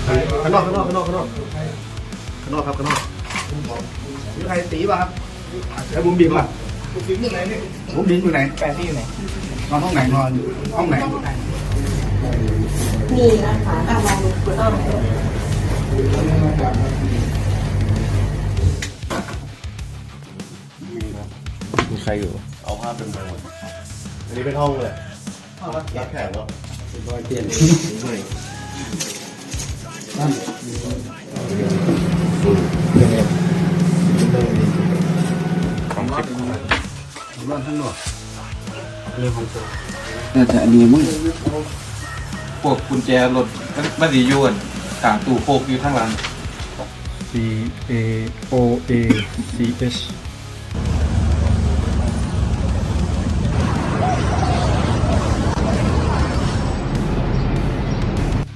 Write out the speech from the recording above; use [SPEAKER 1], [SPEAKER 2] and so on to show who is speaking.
[SPEAKER 1] ข้างนอกครับข้างนอกมีใครตีป่ะครับแล้วบุ้มบิมอ่ะบุ้มบิมอยู่ไหนแฟนที่อยู่ไหนนอนห้องไหนนอนอยู่ห้องไหน
[SPEAKER 2] มีนะคะลองดูคุณอ้อม
[SPEAKER 3] มีใครอยู่เอาภาพเป็นไปหมดอันนี้เป็นห้องเลยรับแขกเนาะเปลี่ยนของคลิปบ้านทั้งหมดนี่ของตัวแต่อันนี้มึงพวกกุญแจรถมันดีอยู่กันขางตู้โฟกอยู่ข้างหลัง
[SPEAKER 4] C A O A C H